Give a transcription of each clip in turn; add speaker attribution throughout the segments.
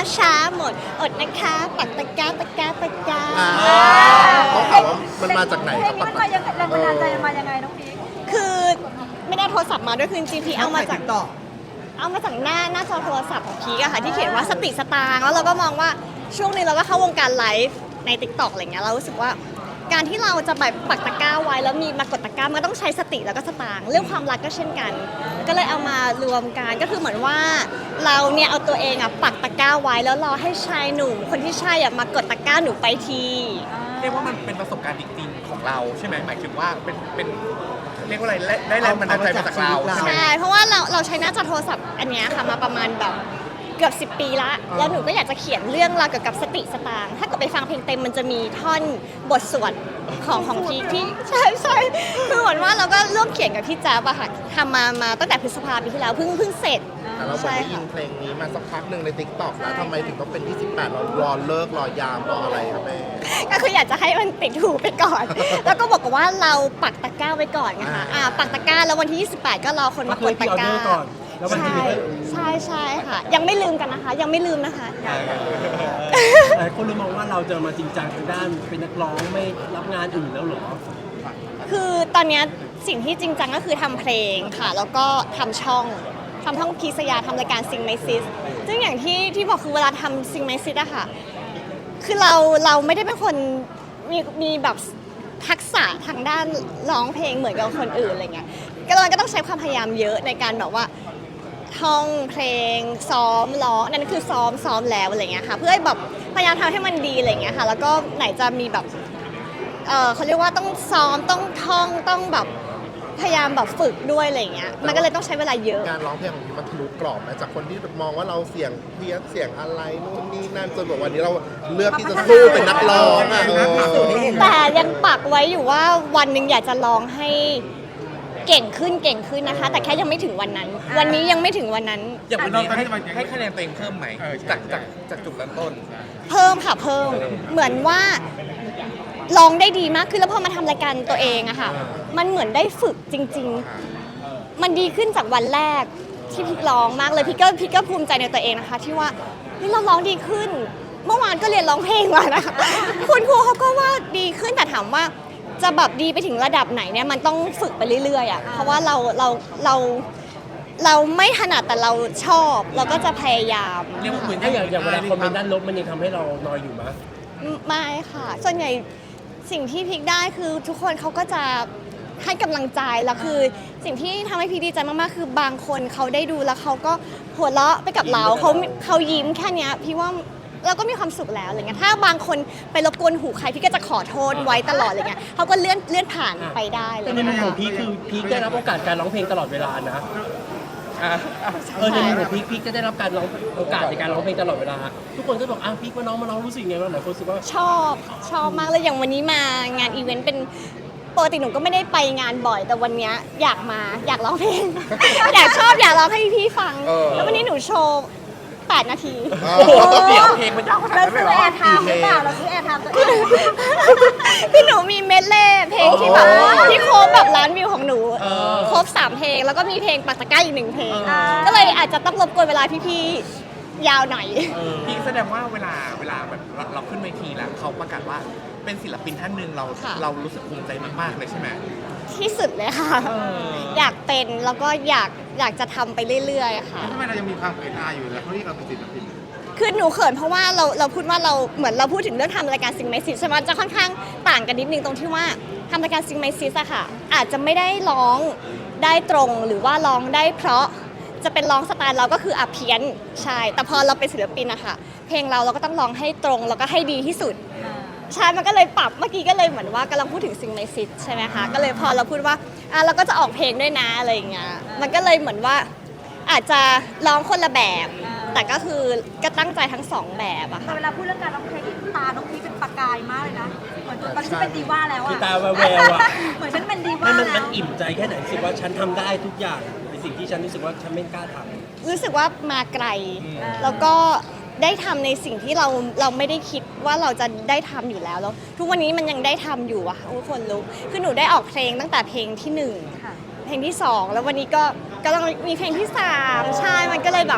Speaker 1: ช้าหมดอดนะคะปักตะกร้าตะกร้าตะกร้า
Speaker 2: ต้องถามว่ามันมาจากไหน
Speaker 3: เพลงนี้มันมายังไงแรงบันดาลใจมันมายังไงน้องพีค
Speaker 1: คือไม่ได้โทรศัพท์มาด้วยคือจริงๆพี่เอามาจากหน้าจอโทรศัพท์ของพีกอะค่ะที่เขียนว่าสติสตางค์แล้วเราก็มองว่าช่วงนี้เราก็เข้าวงการไลฟ์ใน TikTok อะไรเงี้ยเรารู้สึกว่าการที่เราจะแบบปักตะกร้าไว้แล้วมีมากดตะกร้ามันก็ต้องใช้สติแล้วก็สตางค์เรื่องความรักก็เช่นกัน ก็เลยเอามารวมกันก็คือเหมือนว่าเราเนี่ยเอาตัวเองอะปักตะกร้าไว้แล้วรอให้ชายหนุ่มคนที่ใช่อะมากดตะกร้าหนูไปที
Speaker 4: เรียกว่ามันเป็นประสบการณ์จริงๆของเราใช่ไหมหมายถึงว่าเป็นเรียกว่าอะไรได้แรงบันดาลใจมาจากเราใช่ไหม
Speaker 1: ใช่เพราะว่าเราใช้หน้าจอโทรศัพท์อันเนี้ยค่ะมาประมาณแบบเกือบ10 ปีละแล้วหนูก็อยากจะเขียนเรื่องราวเกี่ยวกับสติสตางค์ถ้าเกิดไปฟังเพลงเต็มมันจะมีท่อนบทสวดของพีคที่ใช่คือเหมือนว่าเราก็ร่วมเขียนกับพี่แจ๊บอะค่ะทำมาตั้งแต่พฤษภาปีที่แล้วเพิ่งเสร็จ
Speaker 2: แต่เราบอกได้ยินเพลงนี้มาสักพักหนึ่งใน TikTok แล้วทำไมถึงต้องเป็นที่18เรารอเลิกรอยามรออะไรครับแม่
Speaker 1: ก็คืออยากจะให้มันติดหูไปก่อน แล้วก็บอกว่าเราปักตะกร้าไว้ก่อนไงคะปักตะกร้าแล้ววันที่28ก็รอคนมากดตะกร้าใช่ค่ะยังไม่ลืมกันนะคะยังไม่ลืมนะคะ
Speaker 5: แต่คนเลยมองว่าเราจะมาจริงจังทางด้านเป็นนักร้องไม่รับงานอื่นแล้วเหรอ
Speaker 1: คือตอนเนี้ยสิ่งที่จริงจังก็คือทำเพลงค่ะแล้วก็ทำช่องพีสยาทำรายการซิงไมซิสซึ่งอย่างที่บอกคือเวลาทำซิงไมซิสอะค่ะคือเราไม่ได้เป็นคนมีแบบทักษะทางด้านร้องเพลงเหมือนกับคนอื่นอะไรเงี้ยก็เราก็ต้องใช้ความพยายามเยอะในการแบบว่าท่องเพลงซ้อมร้องนั่นคือซ้อมแล้วอะไรเงี้ยค่ะเพื่อให้แบบพยายามทำให้มันดีอะไรเงี้ยค่ะแล้วก็ไหนจะมีแบบเขาเรียกว่าต้องซ้อมต้องท่องต้องแบบพยายามแบบฝึกด้วยอะไรเงี้ยมันก็เลยต้องใช้เวลาเยอะ
Speaker 2: การร้องเพลงของพี่มันทะลุกรอบนะจากคนที่มองว่าเราเสียงเพี้ยนเสียงอะไรนู่นนี่นั่นจนแบบวันนี้เราเลือกที่จะสู้เป็นนักร้องอ่ะ
Speaker 1: แต่ยังปักไว้อยู่ว่าวันหนึ่งอยากจะร้องให้เก่งขึ้นนะคะแต่แค่ยังไม่ถึงวันนั้น วันนี้ยังไม่ถึงวันนั้น
Speaker 4: อย่างวันนี้ให้คะแนนตัวเองเพิ่มไหมจากจุดเริ่มต้น
Speaker 1: เพิ่มค่ะเพิ่มเหมือนว่าร้องได้ดีมากขึ้นแล้วพอมาทำรายการตัวเองอะค่ะมันเหมือนได้ฝึกจริงๆมันดีขึ้นจากวันแรกที่พี่ร้องมากเลยพี่ก็ภูมิใจในตัวเองนะคะที่ว่านี่เราร้องดีขึ้นเมื่อวานก็เรียนร้องเพลงมานะคะคุณครูเขาก็ว่าดีขึ้นแต่ถามว่าจะแบบดีไปถึงระดับไหนเนี่ยมันต้องฝึกไปเรื่อยๆอะเพราะว่าเราไม่ถนัดแต่เราชอบเราก็จะพยายาม
Speaker 4: เรียกว่าเหมือน
Speaker 5: ถ้าอย่างเวลาคอมเมนต์ด้านลบมันยังทำให้เรานอยอยู่มั้ย
Speaker 1: ไม่ค่ะส่วนใหญ่สิ่งที่พิกได้คือทุกคนเขาก็จะให้กำลังใจแล้วคือสิ่งที่ทำให้พีคดีใจมากๆคือบางคนเขาได้ดูแล้วเขาก็หัวเราะไปกับเราเขายิ้มแค่เนี้ยพี่ว่าเราก็มีความสุขแล้วอะไรเงี้ยถ้าบางคนไปรบกวนหูใครพี่ก็จะขอโทษไว้ตลอดอะไรเงี้ยเขาก็เลื่อนผ่านไปได้เล
Speaker 5: แต่
Speaker 1: ย
Speaker 5: ในมุมของพีคคือพีคได้รับโอกาสการร้องเพลงตลอดเวลานะในมุมของพีคจะได้รับการร้องโอกาสในการร้องเพลงตลอดเวลาทุกคนก็บอกพีคมาน้องมาร้องรู้สึกไงบ้างหลายคนรู้สึกว่า
Speaker 1: ชอบมากเลยอย่างวันนี้มางานอีเวนต์เป็นปกติหนูก็ไม่ได้ไปงานบ่อยแต่วันนี้อยากร้องเพลง อยากร้องให้พี่ฟังแล้ววันนี้หนูโชว์8 นาที
Speaker 4: เดี๋ยวเพลงมันยาวขนาด
Speaker 3: เรา
Speaker 4: นั้นเล
Speaker 3: ซื้
Speaker 4: ย
Speaker 3: อ
Speaker 4: เหรอ
Speaker 3: แอร์ไทม์หรือเปล่าเราซื้อแอร์ไทม์ตัวเอง
Speaker 1: คือหนูมีเมดเล่เพลงที่แบบที่โครบแบบล้านวิวของหนูครบ3 เพลงแล้วก็มีเพลงปักตะกร้าอีก1 เพลงก็เลยอาจจะต้องรบกวนเวลาพี่ๆยาวหน่อย
Speaker 4: พี่แสดงว่าเวลาแบบเราขึ้นเวทีแล้วเขาประกาศว่าเป็นศิลปินท่านหนึ่งเรารู้สึกภูมิใจมากๆเลยใช่ไหม
Speaker 1: ที่สุดเลยค่ะ อยากเป็นแล้วก็อยากจะทำไปเรื่อยๆค่ะ
Speaker 2: ทำไมเรายังมีความเขินอายอยู่แล้วเขาเรียกเราเป็นศิลปิน
Speaker 1: คือหนูเขินเพราะว่าเราพูดว่าเราเหมือนเราพูดถึงเรื่องทำรายการซิงไมซิสใช่ไหมจะค่อนข้างต่างกันนิดนึงตรงที่ว่าทำรายการซิงไมซิสอะค่ะอาจจะไม่ได้ร้องได้ตรงหรือว่าร้องได้เพราะจะเป็นร้องสไตล์เราก็คือเพี้ยนใช่แต่พอเราเป็นศิลปินอะค่ะเพลงเราก็ต้องร้องให้ตรงแล้วก็ให้ดีที่สุดใช่มันก็เลยปรับเมื่อกี้ก็เลยเหมือนว่ากำลังพูดถึงซิงไมซิสใช่ไหมคะก็เลยพอเราพูดว่าเราก็จะออกเพลงด้วยนะอะไรอย่างเงี้ยมันก็เลยเหมือนว่าอาจจะร้องคนละแบบแต่ก็คือก็ตั้งใจทั้ง2 แบบอะ
Speaker 3: แต่
Speaker 1: ค่ะ
Speaker 3: เวลาพูดเรื่องการร้องเพลงตาน้องพีคเป็นประกายมากเลยนะเหมือนตอนที่เป็นดีว่าแล้ว
Speaker 5: มี
Speaker 3: อะ
Speaker 5: ตาแววๆอ่ะ
Speaker 3: เหมือนฉันเป็นดีว่า
Speaker 5: มัน
Speaker 3: แล้ว
Speaker 5: อิ่มใจแค่ไหนรู้สึกว่าฉันทำได้ทุกอย่างในสิ่งที่ฉันรู้สึกว่าฉันไม่กล้าทำ
Speaker 1: รู้สึกว่ามาไกลแล้วก็ได้ทำในสิ่งที่เราไม่ได้คิดว่าเราจะได้ทำอยู่แล้วทุกวันนี้มันยังได้ทำอยู่อะทุกคนรู้คือหนูได้ออกเพลงตั้งแต่เพลงที่1เพลงที่2แล้ววันนี้ก็กำลังมีเพลงที่3ใช่มันก็เลยแบบ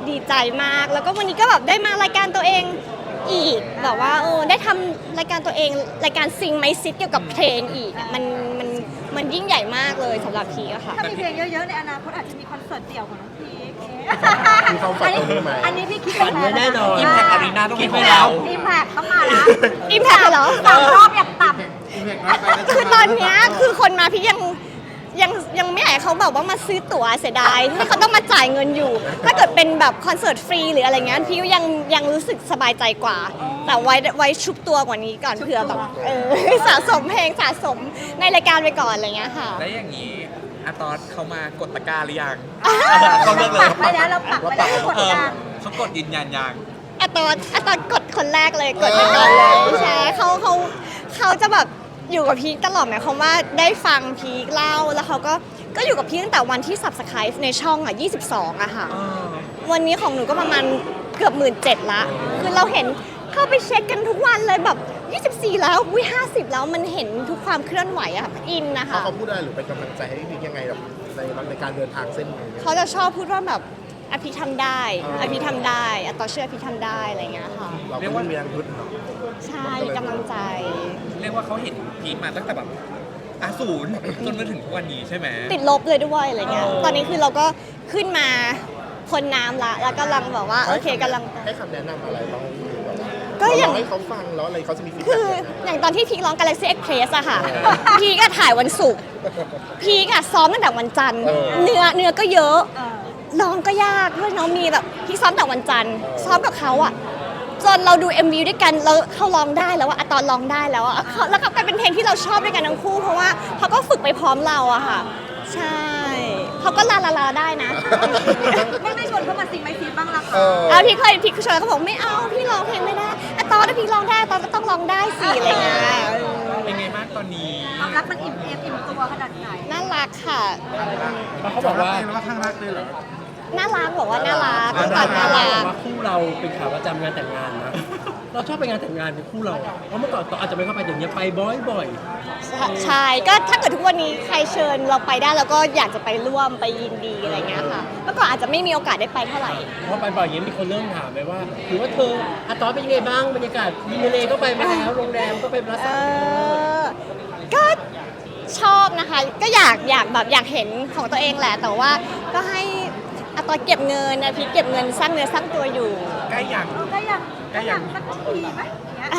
Speaker 1: ดีใจมากแล้วก็วันนี้ก็แบบได้มารายการตัวเองอีกแบบว่าได้ทำรายการตัวเองรายการซิงไมซิตเกี่ยวกับเพลงอีกอะมันยิ่งใหญ่มากเลยสำหรับพีอะค่ะ
Speaker 3: ถ้ามีเพลงเยอะๆในอนาคตอาจจะมีคอนเสิร์ตเดี่ยวของน้องพีค
Speaker 2: มีความฝันตรงนี้ไหม
Speaker 3: อันนี้พี่คิด
Speaker 5: ฝันไว้แน่นอน
Speaker 4: อิมแพคอารีนาต้อง
Speaker 5: คิ
Speaker 4: มี
Speaker 5: ด
Speaker 4: ข
Speaker 5: ไว้
Speaker 4: อง
Speaker 5: แล้
Speaker 4: เรา
Speaker 5: ว
Speaker 3: อิมแพคต้องมาละ
Speaker 1: อิมแพคเหรอ
Speaker 3: 3 รอบอย่างต่
Speaker 1: คือตอนเนี้ยคือคนมาพี่ยังไม่อยากให้เขาแบบว่ามาซื้อตั๋วเสียดายที่เขาต้องมาจ่ายเงินอยู่ ถ้าเกิดเป็นแบบคอนเสิร์ตฟรีหรืออะไรเงี้ยพี่ก็ยังรู้สึกสบายใจกว่า แต่ไว้ชุบตัวกว่านี้ก่อนเผื่อแบบสะสมเพลงสะสมในรายการไปก่อนอะไรเงี้ยค่ะ
Speaker 4: แล้วอย่างนี้อาตอนเขามากดตะกร้าหรือยัง
Speaker 3: ำ
Speaker 4: เขาเลือกเลย
Speaker 3: ปักไปแล้วเราปักไปแล้วกดดัน
Speaker 4: เขากดยืนยันยัง
Speaker 1: อะตอนกดคนแรกเลยกดไปก่อนเลยใช่เขาจะแบบอยู่กับพีคตลอดหมายความว่าได้ฟังพีคเล่าแล้วเขาก็อยู่กับพีคตั้งแต่วันที่ subscribe ในช่องอ่ะ22อะค่ะ วันนี้ของหนูก็ประมาณเกือบ17,000ละคือเราเห็นเข้าไปเช็คกันทุกวันเลยแบบ24แล้ว50แล้วมันเห็นทุกความเคลื่อนไหวอะค่ะอินนะคะ
Speaker 2: เขาพูดอะไรหรือเป็นกำลังใจให้พี่ยังไงแบบในการเดินทางเส้นนี้
Speaker 1: เขาจะชอบพูดว่าแบบอภิทำได้อภิทำได้อะต่อเชื่ออภิทำได้อะไรอย่างเงี้ยค่ะ
Speaker 2: เราก็ไม่มีแรงยุดเนาะ
Speaker 1: ใช่มีกำลังใจ
Speaker 4: เรียกว่าเขาเห็นพีคมาตั้งแต่แบบศูนย์จนมาถึงทุกวันนี้ใช่ไหม
Speaker 1: ติดลบเลยด้วยอะไรเงี้ย ตอนนี้คือเราก็ขึ้นมาพ้นน้ำละแล้วกำลังแบบว่าโอเคกำลัง
Speaker 2: ให้คำแนะนำอะไรบ้าง
Speaker 1: ก็อย่าง
Speaker 2: เราให้เขาฟังแล้วอะไรเขาจะมีฟีด
Speaker 1: คื
Speaker 2: แบ็
Speaker 1: อก อย่างตอนที่พีคร้อง Galaxy Express อะค่ะ พีคก็ถ่ายวันศุกร์ พีคอะซ้อมตั้งแต่วันจันทร์ เนื้อก็เยอะร้องก็ยากด้วยเน้องมีแบบพี่ซ้อมแต่วันจันทร์ซ้อมกับเขาอะจนเราดู MV ด้วยกันแล้วเขาร้องได้แล้วอะตอนร้องได้แล้วอะแล้วก็กลายเป็นเพลงที่เราชอบด้วยกันทั้งคู่เพราะว่าเขาก็ฝึกไปพร้อมเราอะค่ะ ใช่เขาก็ลาได้นะ
Speaker 3: ไม่ชวนเขามาซิงไม่ซีบ้างละ
Speaker 2: เอ
Speaker 3: คะ
Speaker 2: อ
Speaker 1: พี่เคยชวนเขาบอกไม่เอาพี่ร้องเพลงไม่ได้ตอนถ้าพี่ร้องได้ตอนก็ต้องร้องได้สิอะไรเงี้ย
Speaker 4: เป็นไงบ้างตอนนี้
Speaker 3: ความรักมันอิ่มตัวขนาดไหน
Speaker 1: น่ารักค่ะ
Speaker 5: เขาบอกว่า
Speaker 1: น่ารักบอกว่าน่ารัก
Speaker 5: เขา
Speaker 1: ตอนน่ารัก
Speaker 5: บอกว่าคู่เราเป็นขาประจำงานแต่งงานนะ เราชอบไปงานแต่งงานเป็นคู่เราอะเพราะเมื่อก่อนอาจจะไม่เข้าไปเดี๋ยวนี้ไปบ่อย
Speaker 1: ใช่ก็ถ้าเกิดทุกวันนี้ใครเชิญเราไปได้เราก็อยากจะไปร่วมไปยินดีอะไรเงี้ยค่ะเมื่อก่อนอาจจะไม่มีโอกาสได้ไปเท่าไหร่
Speaker 5: ๆเพราะไปบ่อยอย่างนี้มีคนเริ่มถามไปว่าหรือว่าเธออาตอนเป็นยังไงบ้างบรรยากาศดินทะเลก็ไปมาแล้วโรงแรมก็ไปรัส
Speaker 1: ก็ชอบนะคะก็อยากแบบอยากเห็นของตัวเองแหละ แต่ว่าก็ให้อะตอนเก็บเงินนะพี่เก็บเงินสร้างเนื้อสร้างตัวอยู่
Speaker 4: ใกล้ยัง
Speaker 3: ก็ยังสักทีไหม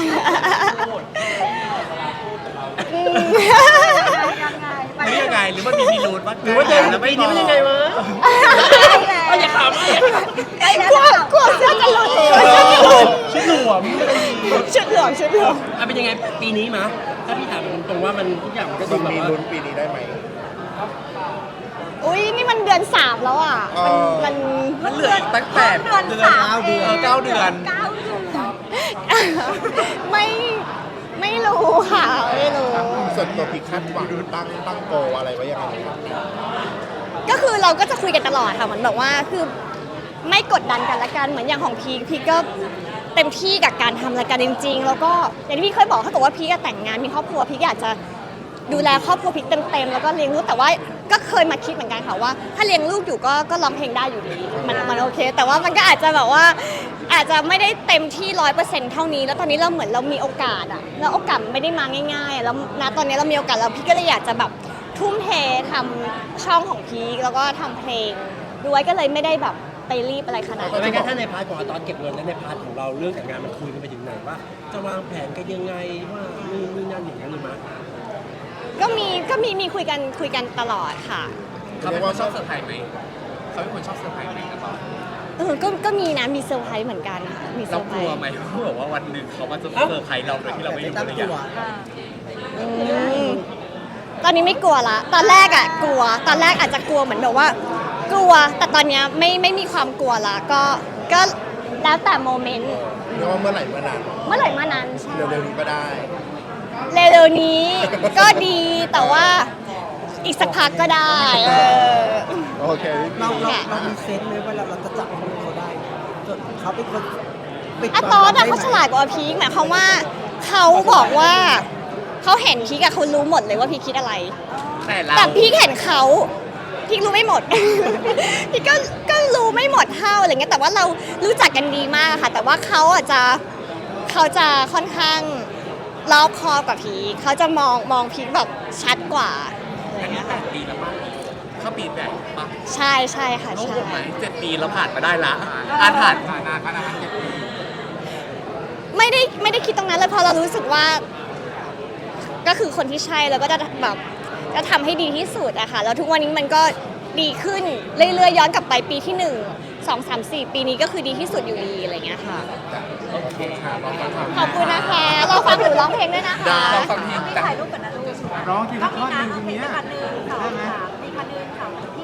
Speaker 3: ยังไงไป
Speaker 4: หรือยังไงหรือว่ามีพิรุธว่า
Speaker 5: หรือว่าเดิน
Speaker 4: แล้ว
Speaker 5: ปีนี้มันยังไงวะ
Speaker 3: แล้ว
Speaker 5: อย่าขำเลย
Speaker 3: ใกล้แล้ว
Speaker 1: กลัวเสื้อจะหลุดกลัวเสื้อจะหลุด
Speaker 5: ชุดหลวม
Speaker 1: ชุดเหลืองชุดเหลือง
Speaker 5: เป็นยังไงปีนี้มะถ้าพี่ถามตรงๆว่ามันทุกอย่างมันก็ดูแบบ
Speaker 2: มี
Speaker 5: ว่า
Speaker 2: ลุ้นปีนี้ได้ไหม
Speaker 1: อุ้ยนี่มันเดือน 3 แล้วอ่ะมัน
Speaker 4: มันเหลืออีกตั้งแต่เดือน9 เดือน
Speaker 3: 9 เดือน
Speaker 1: ไม่รู้ค่ะไม่รู้
Speaker 2: ส่วนตัวพี่คาดหวังตั้งโกอะไรไว้ยังไงครับ
Speaker 1: ก็คือเราก็จะคุยกันตลอดค่ะเหมือนแบบว่าคือไม่กดดันกันละกันเหมือนอย่างของพีก็เต็มที่กับการทำรายการจริงๆแล้วก็อย่างที่พี่เคยบอกถ้าเกิดว่าพีก็แต่งงานมีครอบครัวพีก็อยากจะดูแลครอบครัวพีเต็มๆแล้วก็เลี้ยงลูกแต่ว่าก็เคยมาคิดเหมือนกันค่ะว่า ถ้าเลี้ยงลูกอยู่ก็ร้องเพลงได้อยู่ดีมันโอเค แต่ว่ามันก็อาจจะแบบว่าอาจจะไม่ได้เต็มที่ 100% เท่านี้แล้วตอนนี้เราเหมือนเรามีโอกาสอะแล้วโอกาสไม่ได้มาง่ายๆแล้วณตอนนี้เรามีโอกาสแล้วพี่ก็เลยอยากจะแบบทุ่มเททำช่องของพีคแล้วก็ทำเพลงด้วยก็เลยไม่ได้แบบไปรีบอะไรขนาด
Speaker 5: แต่
Speaker 1: นั้น
Speaker 5: ไม่งั้นถ้าในพาร์ทของอาตอนเก็บเงินและในพาร์ทของเราเรื่องแต่งงานมันคุยกันไปถึงไหนว่า จะวางแผนกันยังไงว่านี่นั่นอย่างนั้นหรือมั้ย
Speaker 1: ก็มีคุยกันตลอดค่ะ
Speaker 4: เขาเป็นคนชอบเซอร์ไพรส์ไหมเขาเป็นคนชอบเซอร์ไพรส์ไหมอาตอน
Speaker 1: ก็มีนะมีเซอร์ไพรส์เหมือนกันค่ะมีเซ
Speaker 4: เรา
Speaker 1: อร์ไพ
Speaker 4: ก
Speaker 1: ร
Speaker 4: ลัว
Speaker 1: ส์
Speaker 4: ไหมเขาบอกว่าวันหนึ่งเขามาจะเซอร์ไพรส์เราโดยที่เราไม่รู้อะไรอย่างเงี้ย
Speaker 1: อืมตอนนี้ไม่กลัวละตอนแรกอะกลัวตอนแรกอาจจะกลัวเหมือนแบบว่า กลัวแต่ตอนเนี้ยไม่มีความกลัวละก็แล้วแต่โมเมนต์
Speaker 2: เรียกว่าเมื่อไหร่เมื่อนาน
Speaker 1: เมื่อไหร่มานั้นใช่
Speaker 2: เร็วๆนี้ก็ได้
Speaker 1: เร็วๆนี้ก็ดีแต่ว่าอีกสักพักก็ได้
Speaker 2: โอเค
Speaker 6: เรามีเซนส์เลยว่าเราจะจับคนเขาได้จนเขาเป็นคนปิด
Speaker 1: อะตอนอะเขาฉลาดกว่าพีคหมายความว่าเขาบอกว่าเขาเห็นพีคอะเขารู้หมดเลยว่าพีคคิดอะไร
Speaker 4: แต่เรา
Speaker 1: แต่พีคเห็นเขาพีครู้ไม่หมด พีคก็รรู้ไม่หมดเท่าอะไรเงี้ยแต่ว่าเรารู้จักกันดีมากค่ะแต่ว่าเขาจะค่อนข้างรอบคอบกว่าพีคเขาจะมองพีคแบบชัดกว่าอะไร
Speaker 4: อันนี้
Speaker 1: เงี้ย
Speaker 4: แป
Speaker 1: ค่ะ
Speaker 4: ดปีแล้วป่ะเข้าปีแปดป่ะ
Speaker 1: ใช่ใช่ค่ะ
Speaker 4: โล่ง
Speaker 1: ใช่
Speaker 4: อกไหม7 ปีเราผ่านมาได้ละอ่านผ่านนานขนาดนั้น7 ปี
Speaker 1: ไม่ได้คิดตรงนั้นเลยเพราะเรารู้สึกว่าก็คือคนที่ใช่แล้วก็จะแบบจะทำให้ดีที่สุดอะค่ะแล้วทุกวันนี้มันก็ดีขึ้นเรื่อยๆย้อนกลับไปปีที่1 2 3 4 ปีนี้ก็คือดีที่สุดอยู่ดีอะไรเงี้ยค่ะ
Speaker 4: โอเคค่ะลองฟัง
Speaker 1: ขอบคุณนะคะเราฟังหนูร้องเพลงด้วยนะคะ
Speaker 4: ลองฟังเพลง
Speaker 3: พี่
Speaker 4: จ้ะ
Speaker 3: ถ่ายรูปกันนะลูก
Speaker 2: ร้องที
Speaker 3: ก็
Speaker 2: ละท่
Speaker 3: มี
Speaker 2: อนห
Speaker 3: นะ
Speaker 2: นึ่ง
Speaker 3: โอ
Speaker 2: ที
Speaker 3: เค
Speaker 2: เนี้ย
Speaker 3: คันหนึ่งสองสามมีคันหนึ่งค่ะพี่